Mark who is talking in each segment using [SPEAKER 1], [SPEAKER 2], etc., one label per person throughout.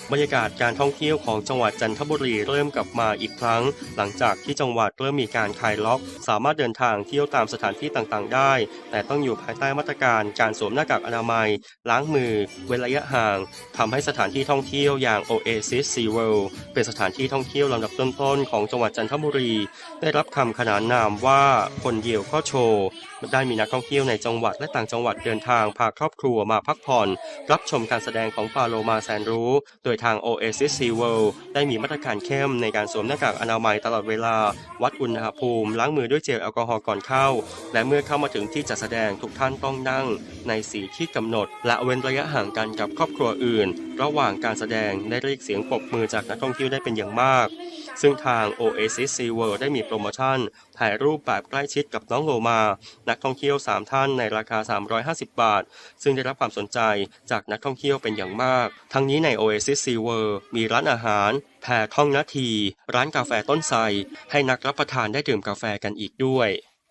[SPEAKER 1] บรรยากาศการท่องเที่ยวของจังหวัดจันทบุรีเริ่มกลับมาอีกครั้งหลังจากที่จังหวัดเริ่มมีการคลายล็อกสามารถเดินทางเที่ยวตามสถานที่ต่างๆได้แต่ต้องอยู่ภายใต้มาตรการการสวมหน้ากากอนามัยล้างมือเว้นระยะห่างทำให้สถานที่ท่องเที่ยวอย่าง Oasis Sea World เป็นสถานที่ท่องเที่ยวลำดับต้นๆของจังหวัดจันทบุรีได้รับคำขนานนามว่าคนเดียวก็โชว์ได้มีนักท่องเที่ยวในจังหวัดและต่างจังหวัดเดินทางพาครอบครัวมาพักผ่อนรับชมการแสดงของปลาโลมาแสนรู้โดยทาง Oasis Sea World ได้มีมาตรการเข้มในการสวมหน้ากากอนามัยตลอดเวลาวัดอุณหภูมิล้างมือด้วยเจลแอลกอฮอล์ก่อนเข้าและเมื่อเข้ามาถึงที่จัดแสดงทุกท่านต้องนั่งในสีที่กำหนดและเว้นระยะห่างกันกับครอบครัวอื่นระหว่างการแสดงได้เรียกเสียงปรบมือจากนักท่องเที่ยวได้เป็นอย่างมากซึ่งทาง Oasis Sea World ได้มีโปรโมชั่นถ่ายรูปแบบใกล้ชิดกับน้องโลมานักท่องเที่ยว3ท่านในราคา350 บาทซึ่งได้รับความสนใจจากนักท่องเที่ยวเป็นอย่างมากทั้งนี้ใน Oasis Sea World มีร้านอาหารแพรท่องนาทีร้านกาแฟต้นไทรให้นักรับประทานได้ดื่มกาแฟกันอีกด้วย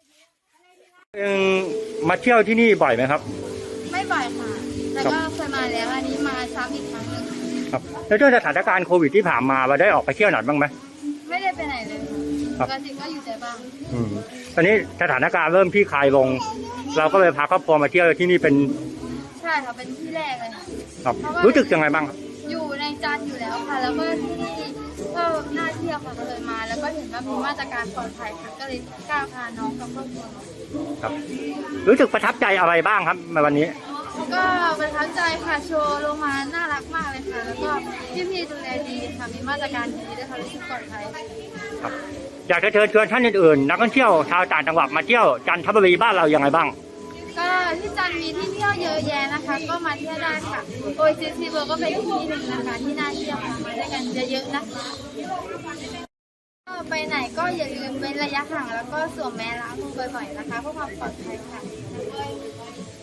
[SPEAKER 2] มาเที่ยวที่นี่บ่อยไหมครับ
[SPEAKER 3] ไม่บ่อยค่ะแต่ก็เคยมาแล้วอันนี้มาซ้ำอีกครั้งหนึ่ง
[SPEAKER 2] ครับแล้วด้วยสถานการณ์โควิดที่ผ่านมาเราได้ออกไปเที่ยวไหนบ้างไหม
[SPEAKER 3] ไม่ได้ไปไหนเลยปกติก็อยู่แต่บ้าน
[SPEAKER 2] ตอนนี้สถานการณ์เริ่มคลี่คลายลงเราก็เลยพาครอบครัวมาเที่ยวที่นี่เป็น
[SPEAKER 3] ใช่ค่ะเป็นที่แรกเลยค่ะ
[SPEAKER 2] ครับรู้สึกยังไงบ้าง
[SPEAKER 3] อยู่ในจันทร์อยู่แล้วค่ะแล้วก็ที่นี่ก็น่าเที่ยวค่ะก็เลยมาแล้วก็เห็นว่ามีมาตรการปลอดภัยค่ะก็เลยกล้าพาน้องกับครอบครัว
[SPEAKER 2] ครับรู้สึกประทับใจอะไรบ้างครับในวันนี้
[SPEAKER 3] ก็ประทับใจค่ะโชว์ลงมาน่ารักมากเลยค่ะแล้วก็พี่ๆดูแลดีค่ะมีมาตรการดีด้วยค่ะรู้สึกปลอดภัย
[SPEAKER 2] ครับอยากจะเชิญชวนท่านอื่นๆนักท่องเที่ยวชาวต่างจังหวัดมาเที่ยวจันทบุรีบ้านเรายังไงบ้าง
[SPEAKER 3] ก็ที่จันทร์มีที่เที่ยวเยอะแยะนะคะก็มาเที่ยวได้ค่ะOasis Sea Worldก็เป็นที่หนึ่งนะคะที่น่าเที่ยวมาด้วยกันเยอะๆนะคะไปไหนก็อย่าลืมเว้นระยะห่างแล้วก็สวมแมสล้างมือบ่อยๆนะคะเพื่อความปลอดภัยค่ะ